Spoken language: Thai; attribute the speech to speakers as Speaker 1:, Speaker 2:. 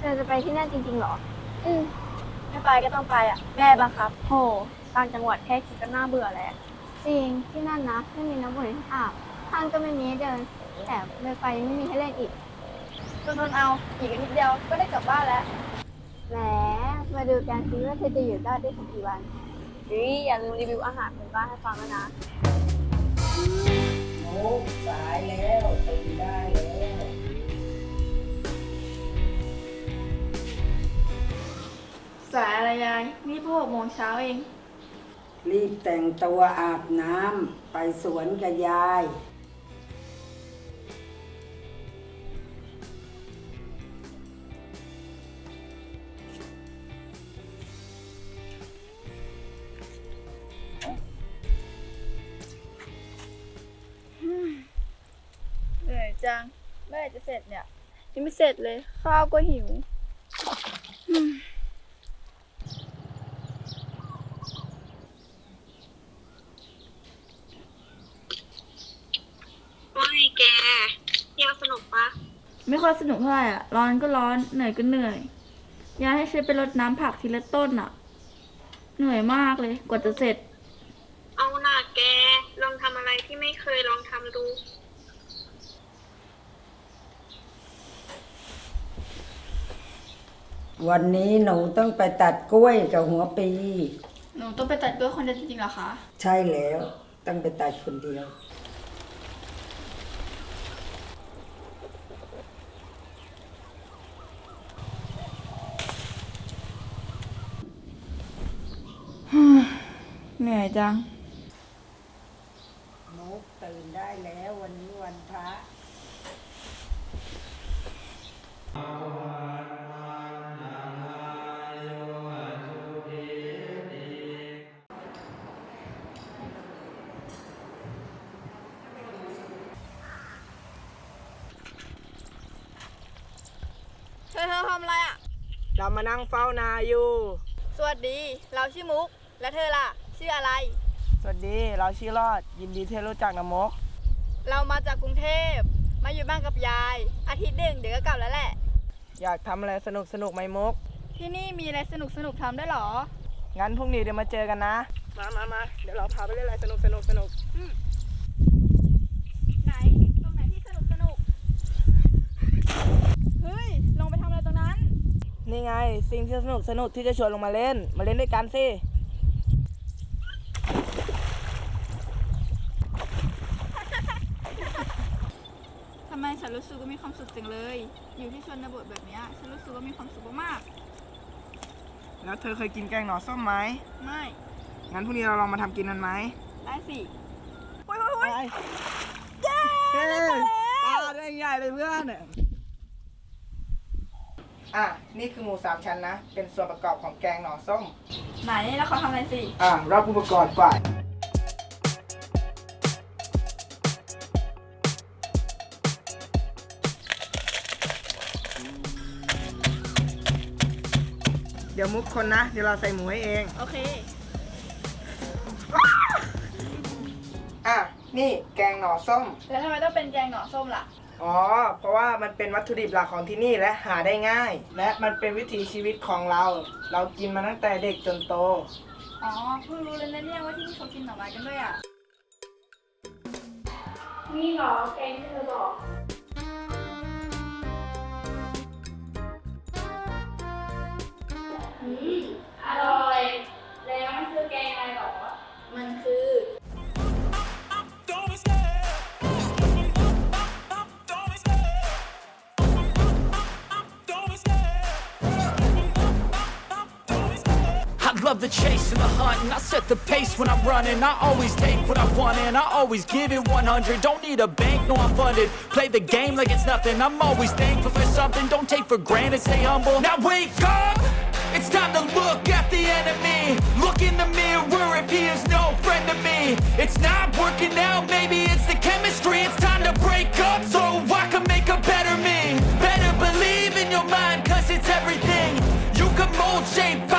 Speaker 1: อจะไปที่นั่นจริงๆเหรอ
Speaker 2: อืมไม่ไปก็ต้องไปอ่ะแม่บังคับโหต่างจังหวัดแค่คิดก็น่าเบื่อแล้ว
Speaker 1: จริงที่นั่นนะไม่มีน้ำอุ่นให้อาบห้างก็ไม่มีให้เดินแต่ไฟยังไม่มีให้เล่นอีก
Speaker 2: ทนเอาอีกอาทิตย์เดียวก็ได้กลับบ้านแล้ว
Speaker 1: แหมมาดูกันซิว่าเธอจะอยู่รอดได้สักกี่วัน
Speaker 2: อย่าลืมรีวิวอาหารเป็นบ้านให้ฟังนะ
Speaker 3: โอ้สายแล้วตื่นได้แล้ว
Speaker 2: สายอะไรยายนี่พวก6 โมงเช้าเอง
Speaker 3: รีบแต่งตัวอาบน้ำไปสวนกับยาย
Speaker 2: เหนื่อยจังเมื่อไหร่จะเสร็จเนี่ยยังไม่เสร็จเลยข้าวก็หิว
Speaker 4: ว่าไงแกเที่ยวสนุกปะ
Speaker 2: ไม่ค่อยสนุกเท่าไหร่อ่ะร้อนก็ร้อนเหนื่อยก็เหนื่อยยายให้ฉันไปรดน้ำผักทีละต้นอ่ะเหนื่อยมากเลยกว่าจะเสร็จ
Speaker 4: เอาหน่าแกลองทำอะไรที่ไม่เคยลองทำดู
Speaker 3: วันนี้หนูต้องไปตัดกล้วยกับหัวปี
Speaker 2: หนูต้องไปตัดกล้วยคนเดียวจริงๆเหรอคะ
Speaker 3: ใช่แล้วต้องไปตัดคนเดียว
Speaker 2: เหนื่อยจัง
Speaker 3: นุกตื่นได้แล้ววันนี้วันพระ
Speaker 2: เธอทำอะไรอ่ะ
Speaker 5: เรามานั่งเฝ้านาอยู่
Speaker 2: สวัสดีเราชื่อมุกและเธอล่ะชื่ออะไร
Speaker 5: สวัสดีเราชื่อรอดยินดีที่รู้จักนะมก
Speaker 2: เรามาจากกรุงเทพมาอยู่บ้านกับยายอาทิตย์หนึ่งเดี๋ยวก็กลับแล้วแหละ
Speaker 5: อยากทำอะไรสนุกไหมมก
Speaker 2: ที่นี่มีอะไรสนุกทำได้หรอ
Speaker 5: งั้นพรุ่งนี้เดี๋ยวมาเจอกันนะมาเดี๋ยวเราพาไปเล่นอะไรสนุก
Speaker 2: ไหนตรงไหนที่สนุกเฮ้ยลงไปทำอะไรตรงนั้น
Speaker 5: นี่ไงสิ่งที่สนุกที่จะชวนลงมาเล่นด้วยกันสิ
Speaker 2: ทำไมฉันรู้สึกว่ามีความสุขจังเลยอยู่ที่ชนบทแบบนี้ฉันรู้สึกว่ามีความสุขมาก
Speaker 5: แล้วเธอเคยกินแกงหน่อส้มไหม
Speaker 2: ไม่
Speaker 5: งั้นพรุ่งนี้เราลองมาทำกินกันไหม
Speaker 2: ได้สิ
Speaker 5: ไปเย้ปลาได้ใหญ่เลยเพื่อนนี่คือหมู3 ชั้นนะเป็นส่วนประกอบของแกงหน่อส้ม
Speaker 2: ไหนแล้วเขาทำอะไรสิ
Speaker 5: รับอุปกรณ์ก่อนเดี๋ยวมุกคนนะเดี๋ยวเราใส่หมูให้เอง
Speaker 2: โอเค
Speaker 5: นี่แกงหน่อส้ม
Speaker 2: แล้วทำไมต้องเป็นแกงหน่อส้มล่ะ
Speaker 5: เพราะว่ามันเป็นวัตถุดิบหลักของที่นี่และหาได้ง่ายและมันเป็นวิถีชีวิตของเรากินมาตั้งแต่เด็กจนโต
Speaker 2: เพิ่งรู้เลยนะเนี่ยว่าที่นี่เขากินหน่อไม้กันด้วยนี่เหรอแกงที่เธอบอกอร่อยแล้วมันคือแกงอะไรหรอมันคือ
Speaker 6: Love the chase and the hunt, and I set the pace when I'm running. I always take what I want and I always give it 100. Don't need a bank, no I'm funded. Play the game like it's nothing. I'm always thankful for something. Don't take for granted, stay humble. Now wake up, it's time to look at the enemy. Look in the mirror if he is no friend to me. It's not working out, maybe it's the chemistry. It's time to break up so I can make a better me. Better believe in your mind, cause it's everything. You can mold, shape,